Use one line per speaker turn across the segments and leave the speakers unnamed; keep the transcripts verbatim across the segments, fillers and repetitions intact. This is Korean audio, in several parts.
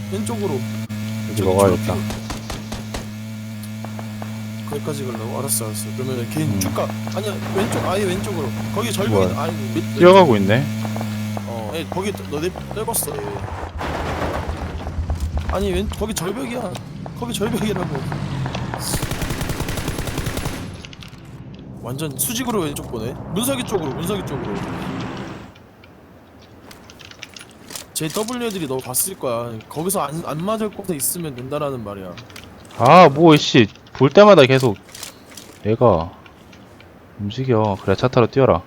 왼쪽으로.
여기 먹어야겠다.
거기까지 가려고? 알았어 알았어. 그러면 걔
음.
쭉 가. 아니야 왼쪽 아예 왼쪽으로. 거기 절벽이
뭐야?
아니 왼-
뛰어가고 있네.
어, 아니, 거기 너네 떨궜어. 얘. 아니 왼 거기 절벽이야. 거기 절벽이라고. 완전 수직으로 왼쪽 보네. 문석이 쪽으로 문석이 쪽으로. 제이더블유 애들이 너 봤을 거야. 거기서 안, 안 맞을 곳에 있으면 된다라는 말이야.
아, 뭐, 씨. 볼 때마다 계속 얘가 움직여. 그래, 차 타러 뛰어라.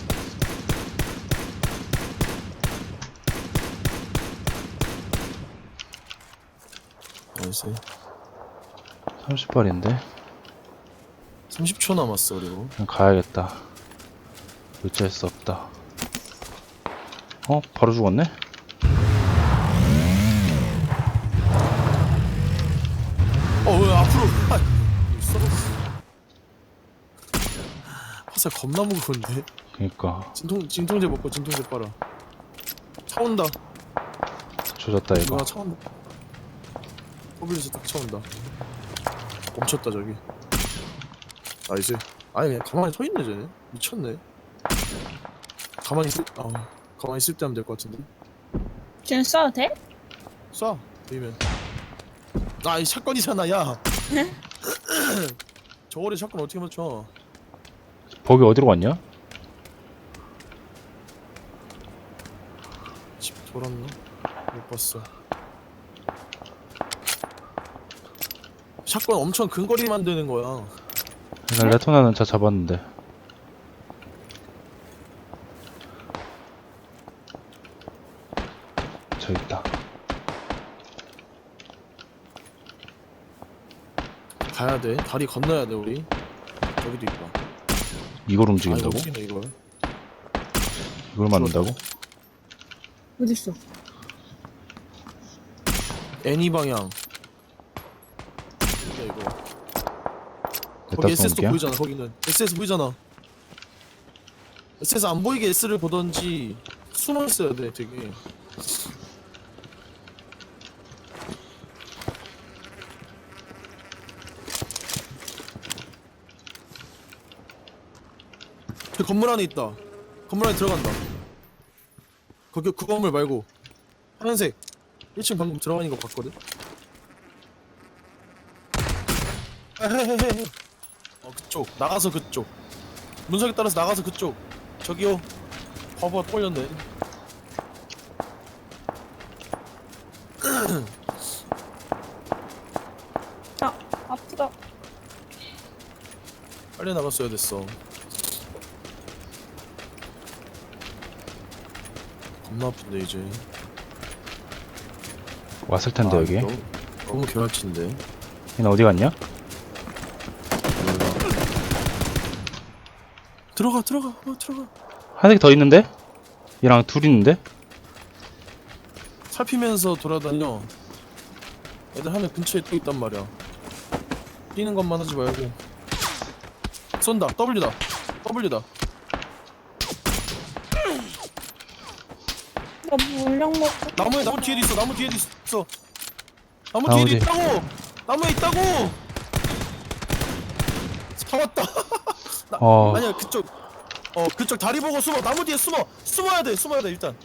알았어.
삼십 발인데?
삼십 초 남았어 그리고.
그냥 가야겠다. 어쩔 수 없다. 어? 바로 죽었네?
어 왜 앞으로? 아, 썰었어. 화살 겁나 무거운데.
그니까.
진통 진통제 먹고 진통제 빨아. 차 온다.
조졌다, 이거.
이거 차 온다. 더블유에서 딱 차 온다. 멈췄다 저기. 나이스. 아니 그냥 가만히 서 있네 쟤네. 미쳤네. 가만히 있을 아 가만히 있을 때 하면 될 것 같은데.
지금 써도 돼?
쏴 보이면. 아이 샷건이잖아 야. 저거를 샷건 어떻게 맞춰?
거기 어디로 갔냐?
집 돌았나? 못 봤어. 샷건 엄청 근거리 만드는 거야.
난 레토나는 차 잡았는데. 저기 있다.
가야 돼. 다리 건너야 돼 우리. 저기도 있다.
이걸
아
움직인다고?
이거 어떻게 이걸?
이걸 맞는다고?
어딨어?
애니 방향. 이거 이거. 거기
냈다
에스에스도
쏜게야?
보이잖아. 거기는 에스에스 보이잖아. 에스에스 안 보이게 S를 보던지 숨어 있어야 돼 되게. 그 건물 안에 있다. 건물 안에 들어간다. 거기 그 건물 말고 하얀색 일 층 방금 들어가는 거 봤거든. 헤헤헤헤. 어 그쪽 나가서 그쪽 문석에 따라서 나가서 그쪽 저기요. 봐봐 꼴렸네.
아, 아프다.
빨리 나갔어야 됐어. 겁나 아픈데 이제.
왔을 텐데,
아,
여기.
너무, 너무 개활친데.
얘는 어디 갔냐?
들어가 들어가 어, 들어가.
한 개 더 있는데? 얘랑 둘 있는데?
살피면서 돌아다녀. 애들 하늘 근처에 또 있단 말이야. 뛰는 것만 하지 말고. 쏜다. W다. W다.
나 물량 먹고.
나무에 나무 뒤에도 있어. 나무 뒤에도 있어. 나무
나무
뒤에도
뒤에.
있다고. 나무에 있다고. 잡았다. 나,
어.
아니야 그쪽. 어 그쪽 다리 보고 숨어. 나무 뒤에 숨어. 숨어야 돼. 숨어야 돼 일단.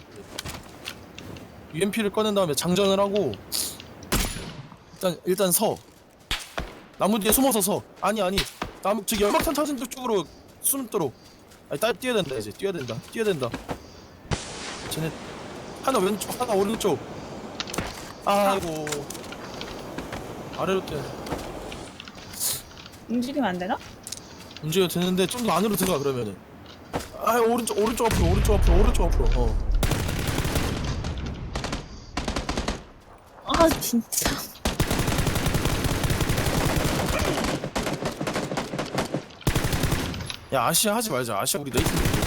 유엠피를 꺼낸 다음에 장전을 하고. 일단 일단 서. 나무 뒤에 숨어서 서. 아니 아니. 나무 저기 연막탄 찾은 쪽으로 숨도록. 아니 딸 뛰어야 된다 이제. 뛰어야 된다. 뛰어야 된다. 쟤네 하나 왼쪽 하나 오른쪽. 아이고. 아래로 뛰어.
움직이면 안 되나?
움직여 되는데 좀 더 안으로 들어가 그러면은. 아 오른쪽 오른쪽 앞으로 오른쪽 앞으로 오른쪽 앞으로. 어.
아, 진짜.
야 아시아 하지 말자. 아시아 우리 네이트.